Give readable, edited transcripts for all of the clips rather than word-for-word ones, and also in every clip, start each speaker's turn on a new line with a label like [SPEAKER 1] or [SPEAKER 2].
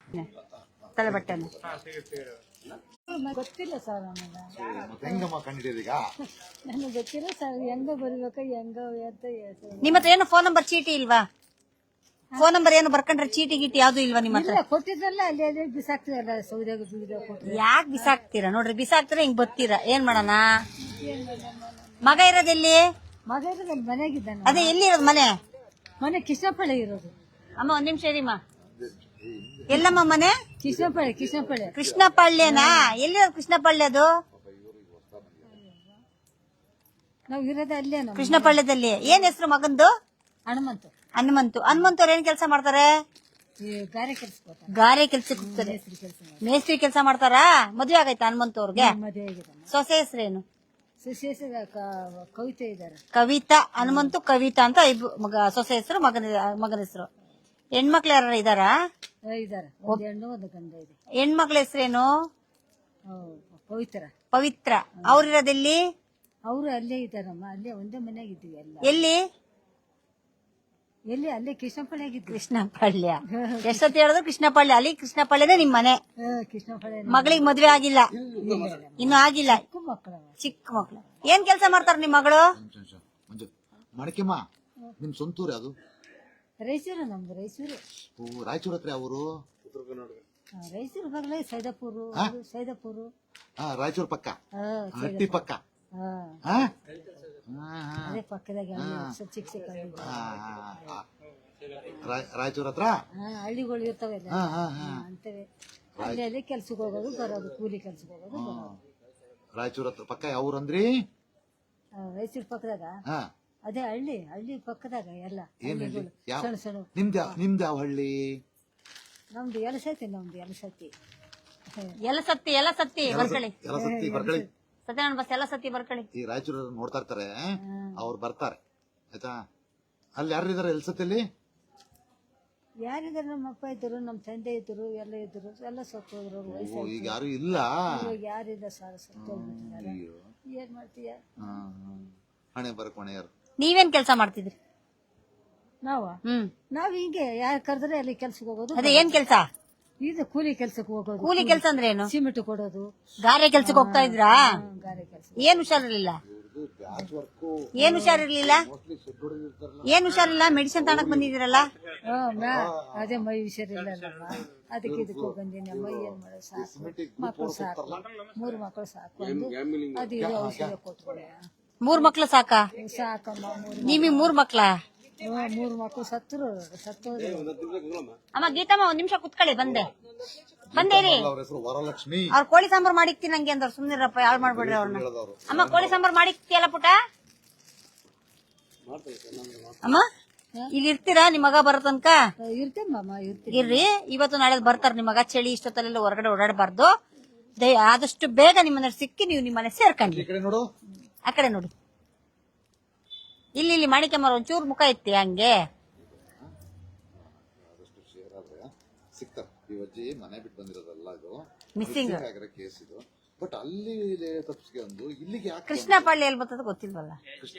[SPEAKER 1] ತಲೆ ಬಟ್ಟೆನ
[SPEAKER 2] ಗೊತ್ತಿಲ್ಲ ಸರ್ ನನಗೆ.
[SPEAKER 3] ಹೆಂಗಮ್ಮ ಕಂಡಿದ್ದೀಗ
[SPEAKER 2] ನನಗೆ ಗೊತ್ತಿಲ್ಲ ಸರ್, ಹೆಂಗ ಬರ್ಬೇಕ ಹೆಂಗ ಅಂತ
[SPEAKER 1] ನಿಮ್ಮ ಹತ್ರ ಏನು ಫೋನ್ ನಂಬರ್ ಚೀಟಿ ಇಲ್ವಾ? ಫೋನ್ ನಂಬರ್ ಏನು ಬರ್ಕೊಂಡ್ರೆ ಚೀಟಿ ಗೀಟಿ ಯಾವ್ದು ಇಲ್ವಾ ನಿಮ್ಮ ಹತ್ರ?
[SPEAKER 2] ಕೊಟ್ಟಿದ್ರಲ್ಲ ಅಲ್ಲಿ ಅಲ್ಲಿ ಬಿಸಾಕ್ತಿರಲ್ಲ, ಸೌದೆಗೆ ಬೀಳ್ದಾಗ ಕೊಟ್ಟರೆ.
[SPEAKER 1] ಯಾಕೆ ಬಿಸಾಕ್ತೀರಾ? ನೋಡ್ರಿ ಬಿಸಾಕ್ತೀರಾ, ಹಿಂಗ್ ಬತ್ತೀರಾ, ಏನ್ ಮಾಡೋಣ? ಮಗ ಇರೋದೆಲ್ಲಿ?
[SPEAKER 2] ಮಗ ಇರೋದು ಅಲ್ಲಿ ಮನೆಯಾಗಿದ್ದಾನೆ.
[SPEAKER 1] ಅದೇ ಎಲ್ಲಿ ಇರೋದು ಮನೆ?
[SPEAKER 2] ಮನೆ ಕೃಷ್ಣಪಳ್ಳಿ ಇರೋದು.
[SPEAKER 1] ಅಮ್ಮ ಒಂದ್ ನಿಮಿಷ ಇರಿಮ್ಮ. ಎಲ್ಲಮ್ಮ ಮನೆ?
[SPEAKER 2] ಕೃಷ್ಣಪಳ್ಳಿ. ಕೃಷ್ಣಪಳ್ಳಿ
[SPEAKER 1] ಕೃಷ್ಣಪಳ್ಳಿನಾ? ಎಲ್ಲಿರೋದು ಕೃಷ್ಣಪಳ್ಳಿ? ಅದು
[SPEAKER 2] ನಾವ್ ಇರೋದು ಅಲ್ಲೇ. ನಮ್ಮ
[SPEAKER 1] ಕೃಷ್ಣಪಳ್ಳಿದಲ್ಲಿ. ಏನ್ ಹೆಸರು ಮಗಂದು?
[SPEAKER 2] ಹನುಮಂತ.
[SPEAKER 1] ಹನುಮಂತು. ಹನುಮಂತವ್ರು ಏನ್ ಕೆಲಸ ಮಾಡ್ತಾರೆ?
[SPEAKER 2] ಗಾರೆ ಕೆಲ್ಸ.
[SPEAKER 1] ಗಾರೆ ಕೆಲ್ಸಕ್ಕೆ ಹೋಗ್ತಾರೆ. ಮೇಸ್ತ್ರಿ ಕೆಲಸ ಮಾಡ್ತಾರಾ? ಮದ್ವೆ ಆಗೈತಾ ಹನುಮಂತವ್ರಿಗೆ?
[SPEAKER 2] ಮದುವೆ ಆಗಿದ್ದಾನೆ.
[SPEAKER 1] ಸೊಸೆ ಹೆಸರೇನು?
[SPEAKER 2] ಸುಶೇಷ ಕವಿತೆ ಇದ್ದಾರೆ.
[SPEAKER 1] ಕವಿತಾ. ಹನುಮಂತು ಕವಿತಾ ಅಂತ ಇಬ್ರು ಮಗ. ಸೊಸೆ ಹೆಸರು, ಮಗನ ಹೆಸರು. ಹೆಣ್ಮಕ್ಳು ಯಾರು ಇದಾರಾ?
[SPEAKER 2] ಇದ್ದಾರೆ. ಒಂದು ಹೆಣ್ಣು ಒಂದು ಗಂಡ ಇದೆ.
[SPEAKER 1] ಹೆಣ್ಮಕ್ಳ ಹೆಸರೇನು?
[SPEAKER 2] ಪವಿತ್ರ.
[SPEAKER 1] ಪವಿತ್ರ. ಅವ್ರಿರೋದೆಲ್ಲಿ?
[SPEAKER 2] ಅವರು ಅಲ್ಲೇ ಇದ್ದಾರಮ್ಮ, ಅಲ್ಲೇ ಒಂದೇ ಮನೆಯಾಗ ಇದ್ದೀವಿ ಎಲ್ಲ.
[SPEAKER 1] ಎಲ್ಲಿ?
[SPEAKER 2] ಎಲ್ಲಿ? ಅಲ್ಲೇ ಕೃಷ್ಣಪಳ್ಳಿ ಆಗಿದ್ವಿ.
[SPEAKER 1] ಕೃಷ್ಣಪಳ್ಳಿ. ಎಷ್ಟೊತ್ತು ಹೇಳಿದ್ರು ಕೃಷ್ಣಪಳ್ಳಿ. ಅಲ್ಲಿ ಕೃಷ್ಣಪಳ್ಳಿನೇ ನಿಮ್ ಮನೆ.
[SPEAKER 2] ಕೃಷ್ಣಪಳ್ಳಿ.
[SPEAKER 1] ಮಗಳಿಗೆ ಮದ್ವೆ ಆಗಿಲ್ಲ? ಇನ್ನು ಆಗಿಲ್ಲ. ಚಿಕ್ಕ ಮಕ್ಳು. ಏನ್ ಕೆಲಸ ಮಾಡ್ತಾರ ನಿಮ್ ಮಗಳು?
[SPEAKER 3] ಮಡಕೆಮ್ಮ ನಿಮ್ ಸ್ವಂತೂರು ಅದು?
[SPEAKER 2] ರಾಯಚೂರು. ನಮ್ದು ರಾಯಚೂರು.
[SPEAKER 3] ರಾಯಚೂರ್ ಹತ್ರ ಅವರು
[SPEAKER 2] ರಾಯಚೂರು ಬಗ್ಲ ಸೈದಾಪುರ. ಸೈದಾಪುರ
[SPEAKER 3] ರಾಯಚೂರ್ ಪಕ್ಕ, ಹಟ್ಟಿ ಪಕ್ಕ.
[SPEAKER 2] ಅದೇ ಪಕ್ಕದಾಗ ಚಿಕ್ಕ ಚಿಕ್ಕ
[SPEAKER 3] ರಾಯಚೂರ್ ಹತ್ರ
[SPEAKER 2] ಹಳ್ಳಿಗಳು ಇರ್ತಾವೆಲ್ಲ ಅಂತೇವೆ. ಅಲ್ಲಿ ಅಲ್ಲಿ ಕೆಲ್ಸಕ್ಕೆ ಹೋಗೋದು ಬರೋದು, ಕೂಲಿ ಕೆಲ್ಸಕ್ಕೆ ಹೋಗೋದು ಬರೋದು.
[SPEAKER 3] ರಾಯಚೂರ್ ಹತ್ರ ಪಕ್ಕ ಯಾವ ಊರಂದ್ರಿ?
[SPEAKER 2] ರಾಯಚೂರ್ ಪಕ್ಕದಾಗ ಅದೇ ಹಳ್ಳಿ. ಹಳ್ಳಿ ಪಕ್ಕದಾಗ ಎಲ್ಲ ಸಣ್ಣ ಸಣ್ಣ.
[SPEAKER 3] ನಿಮ್ದು ಯಾವ ಹಳ್ಳಿ?
[SPEAKER 2] ನಮ್ದು ಎಲಸತಿ. ನಮ್ದು ಎಲಸತಿ.
[SPEAKER 1] ಎಲಸತ್ತಿ ಬರ್ಕಳಿ.
[SPEAKER 3] ಬರ್ಕಳಿ.
[SPEAKER 1] ಸತ್ಯನಾರಾಯಣ ಬಸ್ ಎಲಸತ್ತಿ ಬರ್ಕಳಿ.
[SPEAKER 3] ಈ ರಾಯಚೂರು ನೋಡ್ತಾ ಇರ್ತಾರೆ, ಅವ್ರು ಬರ್ತಾರೆ ಆಯ್ತಾ. ಅಲ್ಲಿ ಯಾರು ಇದಾರೆ ಎಲ್ಸತ್ತಿಯಲ್ಲಿ?
[SPEAKER 2] ಯಾರಿದ್ದಾರೆ? ನಮ್ಮ ಅಪ್ಪ ಇದ್ರು, ನಮ್ಮ ತಂದೆ ಇದ್ರು, ಎಲ್ಲ ಇದ್ರು. ಎಲ್ಲ ಸತ್ತೋದ್ರು.
[SPEAKER 3] ಈಗ ಯಾರು ಇಲ್ಲ.
[SPEAKER 2] ಯಾರಿಲ್ಲ ಸರ್, ಸತ್ತೋಗ್ಬಿಟ್ಟಿದ್ದಾರೆ. ಏನ್ ಮಾಡ್ತೀಯ?
[SPEAKER 3] ಹಣೆ ಬರಕ್ ಹೊಣೆ ಯಾರು?
[SPEAKER 1] ನೀವೇನ್ ಕೆಲಸ ಮಾಡ್ತಿದ್ರಿ?
[SPEAKER 2] ನಾವ್ ಹಿಂಗೆ ಯಾರು ಕರೆದ್ರೆ ಅಲ್ಲಿ ಕೆಲ್ಸಕ್ಕೆ ಹೋಗೋದು.
[SPEAKER 1] ಅದೇ ಏನ್ ಕೆಲಸ?
[SPEAKER 2] ಇದು ಕೂಲಿ ಕೆಲ್ಸಕ್ಕೆ ಹೋಗೋದು.
[SPEAKER 1] ಕೂಲಿ ಕೆಲಸ ಅಂದ್ರೆ ಏನು?
[SPEAKER 2] ಸಿಮೆಂಟ್ ಕೊಡೋದು.
[SPEAKER 1] ಗಾರೆ ಕೆಲ್ಸಕ್ಕೆ ಹೋಗ್ತಾ ಇದ್ರಾ?
[SPEAKER 2] ಗಾರೆ ಕೆಲಸ.
[SPEAKER 1] ಏನ್ ಹುಷಾರಿರ್ಲಿಲ್ಲ? ಏನ್ ಹುಷಾರಿರ್ಲಿಲ್ಲ? ಏನ್ ಹುಷಾರಿಲ್ಲ? ಮೆಡಿಸಿನ್ ತಗೊಳಕ್ ಬಂದಿದ್ದೀರಲ್ಲ?
[SPEAKER 2] ಅದೇ ಮೈ ಹುಷಾರಿಲ್ಲ, ಅದಕ್ಕೆ ಇದಕ್ಕೆ ಬಂದೀನಿ. ಮೈ ಏನ್ ಮಾಡೋದು, ಸಾಕು ಮಕ್ಕಳು ಸಾಕು. 3 ಮಕ್ಕಳು ಸಾಕು ಅಂದು ಅದು ಇದು ಔಷಧ ಕೊಟ್ಬಿಡ.
[SPEAKER 1] 3 ಮಕ್ಳು ಸಾಕಾ?
[SPEAKER 2] ಸಾಕಮ್ಮ.
[SPEAKER 1] ನಿಮಗ್ 3 ಮಕ್ಳ?
[SPEAKER 2] 3 ಮಕ್ಕಳು ಸತ್ತೋದ್ರು.
[SPEAKER 1] ಅಮ್ಮ ಗೀತಮ್ಮ ಒಂದ್ ನಿಮಿಷ ಕುತ್ಕೊಳ್ಳಿ, ಬಂದೇರಿ.
[SPEAKER 3] ವರಲಕ್ಷ್ಮಿ.
[SPEAKER 1] ಅವ್ರ ಕೋಳಿ ಸಾಂಬಾರ್ ಮಾಡಿಕ್ತೀನಿ ನಂಗೆ ಅಂದ್ರ. ಸುಮ್ನಿರಪ್ಪ, ಯಾಳು ಮಾಡ್ಬಿಡ್ರಿ ಅವ್ರನ್ನ. ಅಮ್ಮ ಕೋಳಿ ಸಾಂಬಾರ್ ಮಾಡಿಕ್ತಿಯಲ್ಲ ಪುಟ? ಅಮ್ಮ ಇಲ್ಲಿ ಇರ್ತೀರಾ? ನಿಮ್ ಮಗ ಬರೋ ತನಕ
[SPEAKER 2] ಇರ್ತೇಮ್ಮ.
[SPEAKER 1] ಇರ್ರಿ. ಇವತ್ತು ನಾಳೆ ಬರ್ತಾರ ನಿಮ್ ಮಗ. ಚಳಿ ಇಷ್ಟೊತ್ತಲ್ಲೆಲ್ಲ ಹೊರಗಡೆ ಓಡಾಡಬಾರ್ದು. ಆದಷ್ಟು ಬೇಗ ನಿಮ್ಮನ್ನ ಸಿಕ್ಕಿ ನೀವು ನಿಮ್ಮನೆ ಸೇರ್ಕೊಂಡ್ರಿ. ಆ ಕಡೆ ನೋಡಿ. ಇಲ್ಲಿ ಮಾಣಿಕ್ಯಮ್ಮ ಒಂಚೂರು ಮುಖ ಇತ್ತಿ ಹಂಗೆ
[SPEAKER 3] ಸಿಗ್ತಾರೆ. ಈ ಅಜ್ಜಿ ಮನೆ ಬಿಟ್ಟು ಬಂದಿರೋದಲ್ಲ, ಇದು
[SPEAKER 1] ಮಿಸ್ಸಿಂಗ್
[SPEAKER 3] ಕೇಸ್ ಇದು. ಬಟ್ ಅಲ್ಲಿ ತಪ್ಪಿಸ್ಗೆ ಒಂದು ಇಲ್ಲಿಗೆ ಯಾಕೆ?
[SPEAKER 1] ಕೃಷ್ಣಪಳ್ಳಿ ಎಲ್ಲಿ ಬರ್ತದ ಗೊತ್ತಿಲ್ವಲ್ಲ.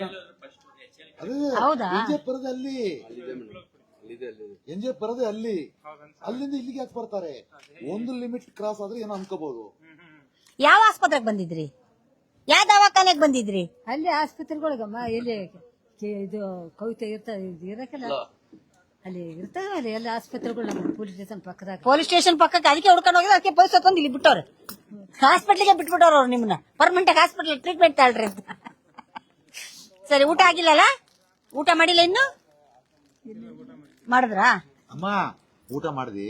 [SPEAKER 1] ಹೌದಾ?
[SPEAKER 3] ಎನ್ಜಿಎಫ್ ಅಲ್ಲಿ ಎನ್ಜಿಎಫ್ ಬರೋದೇ ಅಲ್ಲಿ. ಅಲ್ಲಿಂದ ಇಲ್ಲಿಗೆ ಯಾಕೆ ಬರ್ತಾರೆ? ಒಂದು ಲಿಮಿಟ್ ಕ್ರಾಸ್ ಆದ್ರೆ ಏನೋ ಅನ್ಕೋಬಹುದು.
[SPEAKER 1] ಯಾವ ಆಸ್ಪತ್ರೆಗೆ ಬಂದಿದ್ರಿ? ಯಾವ ದವಾಖಾನೆಗೆ ಬಂದಿದ್ರಿ?
[SPEAKER 2] ಅಲ್ಲಿ ಆಸ್ಪತ್ರೆಗಳಿಗಮ್ಮ. ಎಲ್ಲಿ ಇದು ಕವಿತೆ ಇರಕ್ಕೆಲ್ಲ ಅಲ್ಲಿ ಇರ್ತಾವ. ಅಲ್ಲಿ ಎಲ್ಲ ಆಸ್ಪತ್ರೆಗಳು ನಮ್ಮ ಪೊಲೀಸ್ ಸ್ಟೇಷನ್ ಪಕ್ಕದಾಗ.
[SPEAKER 1] ಪೊಲೀಸ್ ಸ್ಟೇಷನ್ ಪಕ್ಕಕ್ಕೆ ಅದಕ್ಕೆ ಹುಡ್ಕೊಂಡು ಹೋಗಿದ್ರೆ ಅದಕ್ಕೆ ಪೊಲೀಸ್ ತಂದು ಇಲ್ಲಿ ಬಿಟ್ಟವ್ರೆ. ಹಾಸ್ಪಿಟ್ಲಿಗೆ ಬಿಟ್ಬಿಟ್ಟವ್ರ ಅವ್ರು ನಿಮ್ಮನ್ನ. ಪರ್ಮನೆಂಟ್ ಹಾಸ್ಪಿಟಲ್ ಟ್ರೀಟ್ಮೆಂಟ್ ತಾಳ್ರಿ ಅಂತ. ಸರಿ, ಊಟ ಆಗಿಲ್ಲಲ್ಲ? ಊಟ ಮಾಡಿಲ್ಲ ಇನ್ನು? ಮಾಡಿದ್ರಾ?
[SPEAKER 3] ಅಮ್ಮ ಊಟ ಮಾಡಿದಿ?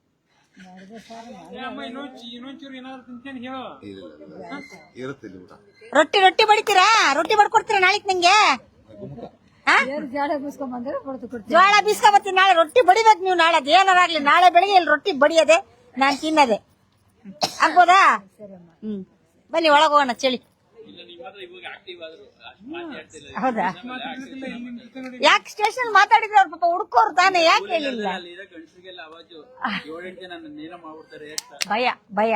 [SPEAKER 3] ಇರುತ್ತೆ ಊಟ.
[SPEAKER 1] ರೊಟ್ಟಿ ಬಡಿತೀರಾ? ರೊಟ್ಟಿ ಬಡ್ಕೊಡ್ತೀರಾ ನಾಳೆ ನಂಗೆ?
[SPEAKER 2] ಜೋಳ ಬೀಸ್ಕೊಂಡ್ ಬಂದ್ರೆ
[SPEAKER 1] ಜೋಳ ಬೀಸ್ಕೊಂಡ್ ಬರ್ತೀನಿ ನಾಳೆ. ರೊಟ್ಟಿ ಬಡಿಬೇಕು ನೀವು ನಾಳೆ. ಏನಾರಾಗ್ಲಿ ನಾಳೆ ಬೆಳಿಗ್ಗೆ ಇಲ್ಲಿ ರೊಟ್ಟಿ ಬಡಿಯೋದೆ, ನಾನ್ ತಿನ್ನದೆ. ಆಗ್ಬೋದಾ? ಬನ್ನಿ ಒಳಗ್ ಹೋಗೋಣ. ಚಳಿ. ಹೌದಾ? ಯಾಕೆ ಸ್ಟೇಷನ್ ಮಾತಾಡಿದ್ರೆ ಅವ್ರ ಪಾಪ ಹುಡ್ಕೋರು ತಾನೆ, ಯಾಕೆ ಹೇಳಿಲ್ಲ? ಭಯ.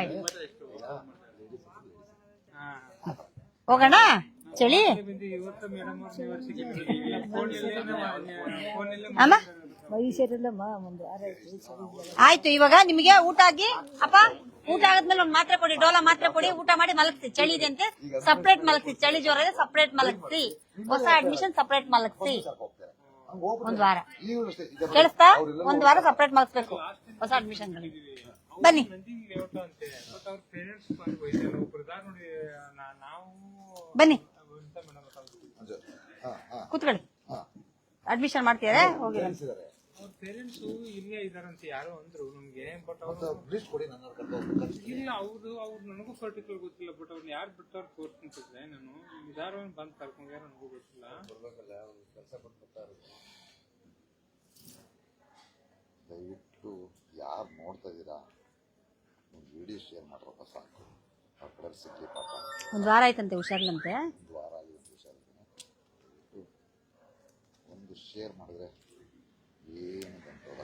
[SPEAKER 1] ಹೋಗೋಣ ಚಳಿ. ಅಮ್ಮ
[SPEAKER 2] ಮೈ ಹುಷಾರಿಲ್ಲಮ್ಮ ಒಂದು ವಾರ ಆಯ್ತು ಹುಷಾರಿಲ್ಲ.
[SPEAKER 1] ಆಯ್ತು, ಇವಾಗ ನಿಮಗೆ ಊಟ ಆಗಿ ಅಪ್ಪ ಊಟ ಆದ್ಮೇಲೆ ಒಂದ್ ಮಾತ್ರೆ ಕೊಡಿ, ಡೋಲಾ ಮಾತ್ರೆ ಕೊಡಿ, ಊಟ ಮಾಡಿ ಮಲಗಿಸಿ. ಚಳಿ ಇದೆ ಅಂತೆ ಸಪ್ರೇಟ್ ಮಲಗಿಸಿ, ಚಳಿ ಜ್ವರ ಇದೆ ಸಪ್ರೇಟ್ ಮಲಗಿಸಿ, ಹೊಸ ಅಡ್ಮಿಷನ್ ಸಪ್ರೇಟ್ ಮಲಗಿಸಿ. ಒಂದ್ ವಾರ ಕೇಳಿಸ್ತಾ? ಒಂದ್ ವಾರ ಸಪ್ರೇಟ್ ಮಲಗಿಸ್ಬೇಕು ಹೊಸ ಅಡ್ಮಿಷನ್. ಬನ್ನಿ ಬನ್ನಿ ಕೂತ್ಕೊಳ್ಳಿ. ಅಡ್ಮಿಷನ್ ಮಾಡ್ತೀರಾ? ಹೋಗಿ
[SPEAKER 4] ಅವ್ರ ಪೇರೆಂಟ್ಸ್ ಇಲ್ಲೇ ಇದಾರಂತ ಯಾರೋ ಅಂದ್ರು ನಮ್ಗೆ. ಬಟ್ ಇಲ್ಲ ಅವ್ರು ನನಗೂ ಪರ್ಟಿಕ್ಯುಲರ್ ಗೊತ್ತಿಲ್ಲ. ಬಟ್ ಅವ್ರನ್ನ ಯಾರು ಬಿಟ್ಟವ್ರು ತೋರ್ಸ್ಕೊಂತಿದ್ರೆ ನಾನು ಇದಾರೋ ಬಂದ್ ಕರ್ಕೊಂಡ್ಯಾರ ನನಗೂ ಗೊತ್ತಿಲ್ಲ.
[SPEAKER 3] ದಯವಿಟ್ಟು ಯಾರು ನೋಡ್ತಾ ಇದೀರಾ ವಿಡಿಯೋ ಶೇರ್ ಮಾಡ್ರಪ್ಪ ಸಾಕು. ಆ ಕಡೆ ಸಿಗ್ಲಿ ಪಾಪ.
[SPEAKER 1] ಒಂದ್ ವಾರ ಆಯ್ತಂತೆ ಹುಷಾರಿಲ್ಲಂತೆ.
[SPEAKER 3] ಒಂದು ವಾರ ಆಗಿದೆ ಹುಷಾರಿದ್ದೀನಿ. ಒಂದು ಶೇರ್ ಮಾಡಿದ್ರೆ ಏನು ಗಂಟೋಲ್ಲ.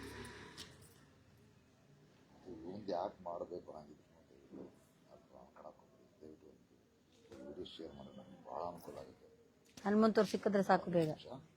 [SPEAKER 3] ಮುಂದೆ ಯಾಕೆ ಮಾಡಬೇಕು ಅನ್ನೋದು ದಯವಿಟ್ಟು ವಿಡಿಯೋ ಶೇರ್ ಮಾಡಿದ್ರೆ ನಮ್ಗೆ ಭಾಳ ಅನುಕೂಲ ಆಗುತ್ತೆ.
[SPEAKER 1] ಹನುಮಂತವ್ರು ಸಿಕ್ಕಿದ್ರೆ ಸಾಕು ಬೇಗ.